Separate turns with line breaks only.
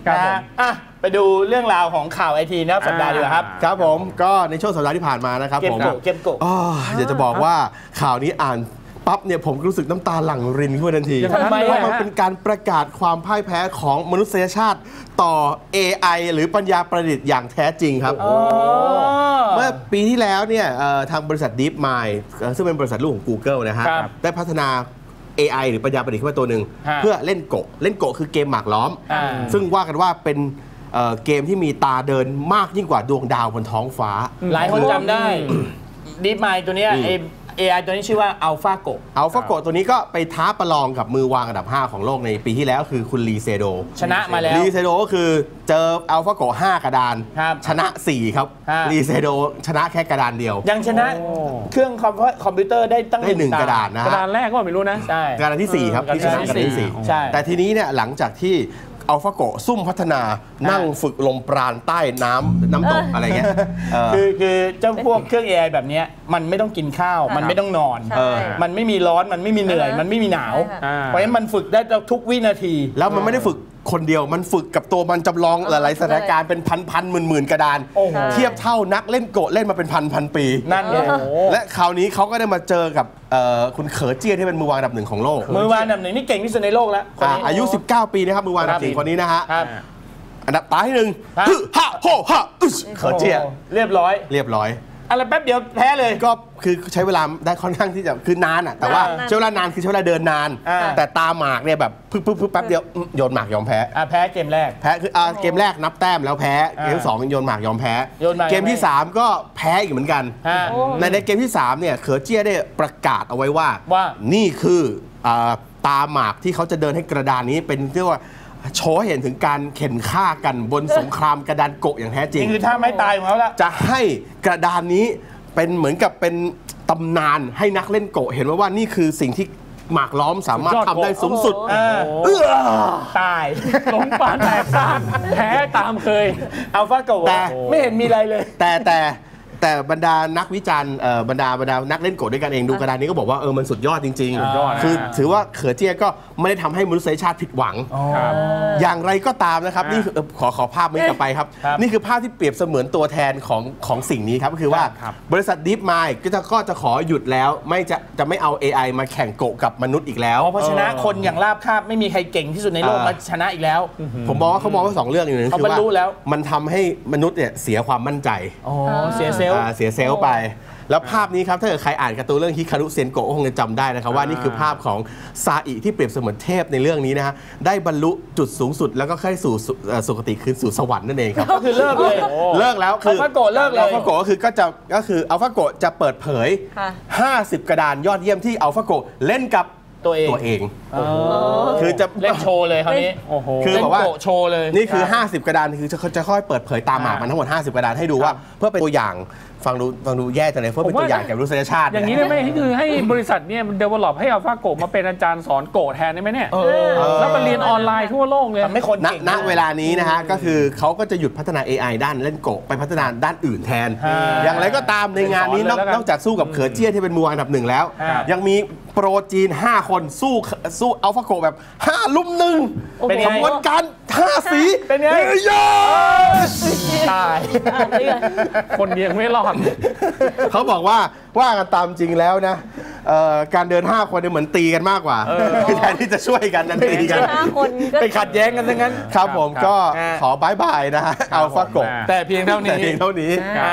ครับผมไปดูเรื่องราวของข่าวไอทีนะครับสัปดาห์ดีกว่าครับ
ครับผมก็ในช่วงสัปดาห์ที่ผ่านมานะครับผม
เกมโกะ
อยากจะบอกว่าข่าวนี้อ่านปั๊บเนี่ยผมรู้สึกน้ำตาหลั่งรินขึ้นมาทันทีเพราะมันเป็นการประกาศความพ่ายแพ้ของมนุษยชาติต่อ AI หรือปัญญาประดิษฐ์อย่างแท้จริงครับเมื่อปีที่แล้วเนี่ยทางบริษัท DeepMind ซึ่งเป็นบริษัทลูกของ Google นะฮะได้พัฒนา AI หรือปัญญาประดิษฐ์ขึ้นมาตัวหนึ่งเพื่อเล่นโกะคือเกมหมากล้อมซึ่งว่ากันว่าเป็นเกมที่มีตาเดินมากยิ่งกว่าดวงดาวบนท้องฟ้า
หลายคนจำได้ DeepMind ตัวนี้AI ตัวนี้ชื่อว่า
AlphaGo ตัวนี้ก็ไปท้าประลองกับมือวางอันดับ 5 ของโลกในปีที่แล้วคือคุณลีเซโด
ชนะมาแล้ว
ลีเซโดก็คือเจอ AlphaGo 5 กระดานชนะ 4 ครับลีเซโดชนะแค่กระดานเดียว
ยังชนะเครื่องคอมพิวเตอร์ได้ตั้ง
1 กระดานนะ
กระดานแรกก็ไม่รู้นะ
ใช่กระดานที่ 4 ครับที่ชนะกระดานที่ 4แต่ทีนี้เนี่ยหลังจากที่AlphaGo ซุ่มพัฒนานั่งฝึกลมปราณใต้น้ำตกอะไรเงี้ย
คือเจ้าพวกเครื่อง AI แบบนี้มันไม่ต้องกินข้าวมันไม่ต้องนอนมันไม่มีร้อนมันไม่มีเหนื่อยมันไม่มีหนาวเพราะฉะนั้นมันฝึกได้ทุกวินาที
แล้วมันไม่ได้ฝึกคนเดียวมันฝึกกับตัวมันจำลองหลายๆสถานการณ์เป็นพันหมื่นกระดานเทียบเท่านักเล่นโกะเล่นมาเป็นพันปี
นั่นไง
และคราวนี้เขาก็ได้มาเจอกับคุณเขอเจี้ยที่เป็นมือวางอันดับ 1ของโลก
มือวางอันดับ 1นี่เก่งที่สุดในโลกแล้ว
อายุ19 ปีนะครับมือวางอันดับ 1คนนี้นะฮะอันดับตาที่1ฮะโฮฮะเขอเจี้ย
เรียบร้อยอะไรแป๊บเดียวแพ้เลย
ก็คือใช้เวลาได้ค่อนข้างที่จะคือนานอ่ะแต่ว่าใช้เวลานานคือใช้เวลาเดินนานแต่ตาหมากเนี่ยแบบปึ๊บแป๊บเดียวโยนหมากยอมแพ้
แพ้เกมแรก
แพ้คือเกมแรกนับแต้มแล้วแพ้เกมที่2โยนหมากยอมแพ้เกมที่3ก็แพ้อีกเหมือนกันในเกมที่3เนี่ยเขอเจี้ยได้ประกาศเอาไว้ว่านี่คือตาหมากที่เขาจะเดินให้กระดานนี้เป็นเรียกว่าโชว์เห็นถึงการเข็นฆ่ากันบนสงครามกระดานโกะอย่างแท้จริง
นี่คือท่าไม้ตายของเขาละ
จะให้กระดานนี้เป็นเหมือนกับเป็นตำนานให้นักเล่นโกะเห็นว่านี่คือสิ่งที่หมากล้อมสามารถทำได้สูงสุด
ตาย
หลงป่านแตกซ่านแพ้ตามเคย
AlphaGoแต่ไม่เห็นมีอะไรเลย
แต่บรรดานักวิจารณ์บรรดานักเล่นโกะด้วยกันเองดูกระดานนี้ก็บอกว่ามันสุดยอดจริงๆคือถือว่าเขอเจี้ยก็ไม่ได้ทำให้มนุษยชาติผิดหวังอย่างไรก็ตามนะครับนี่ขอภาพนี้กลับไปครับนี่คือภาพที่เปรียบเสมือนตัวแทนของสิ่งนี้ครับก็คือว่าบริษัท DeepMind ก็จะขอหยุดแล้วจะไม่เอา AI มาแข่งโกะกับมนุษย์อีกแล้ว
เพราะชนะคนอย่างราบคาบไม่มีใครเก่งที่สุดในโลกมาชนะอีกแล้ว
ผมมองว่าเขามองว่า2 เรื่องอย่างนึงคือว่ามันทำให้มนุษย์เนี่ยเสียความมั่นใจ
เสียเ
ซลล์ไปแล้วภาพนี้ครับถ้าเกิดใครอ่านการ์ตูนเรื่องฮิคารุเซนโกะคงจะจำได้นะครับว่านี่คือภาพของซาอิที่เปรียบเสมือนเทพในเรื่องนี้นะฮะได้บรรลุจุดสูงสุดแล้วก็เข้าสู่สุคติคือสู่สวรรค์นั่นเองครับ
ก็คือเลิกเลย
แล้วคือ
AlphaGoเลิกเลย
AlphaGoก็คือAlphaGoจะเปิดเผย50 กระดานยอดเยี่ยมที่AlphaGoเล่นกับตัวเอง
คือจะเล่นโชว์เลยคราวนี้
คือบอกว่า
โชว์เลย
นี่คือ50 กระดานคือจะค่อยเปิดเผยตามหมากมันทั้งหมด50 กระดานให้ดูว่าเพื่อเป็นตัวอย่างฟังดูแย่จังเลยเพื่อเป็นตัวอย่างแก่มนุษยชาติ
อย่างนี้ได้ไหมคือให้บริษัทเนี่ยมัน develop ให้ AlphaGo มาเป็นอาจารย์สอนโกะแทนได้ไหมเนี่ยแล้วมาเรียนออนไลน์ทั่วโลกเลย
ไม่คน
ณเวลานี้นะฮะก็คือเขาก็จะหยุดพัฒนา AI ด้านเล่นโกะไปพัฒนาด้านอื่นแทนอย่างไรก็ตามในงานนี้นอกจากสู้กับเขอเจี้ยที่เป็นมือวางอันดับ 1แล้วยังมีโปรจีน5 คนสู้AlphaGoแบบ5 ลุม 1เป็นขบวนการ5 สี
เป็นไงตาย
คนเดียวไม่รอด
เขาบอกว่ากันตามจริงแล้วนะการเดิน5 คนเนี่ยเหมือนตีกันมากกว่าแทนที่จะช่วยกันนั่นตีกัน
ไปขัดแย้งกันทั้งนั้น
ครับผมก็ขอบายบายนะฮะAlphaGo
แต่เพียงเท่านี้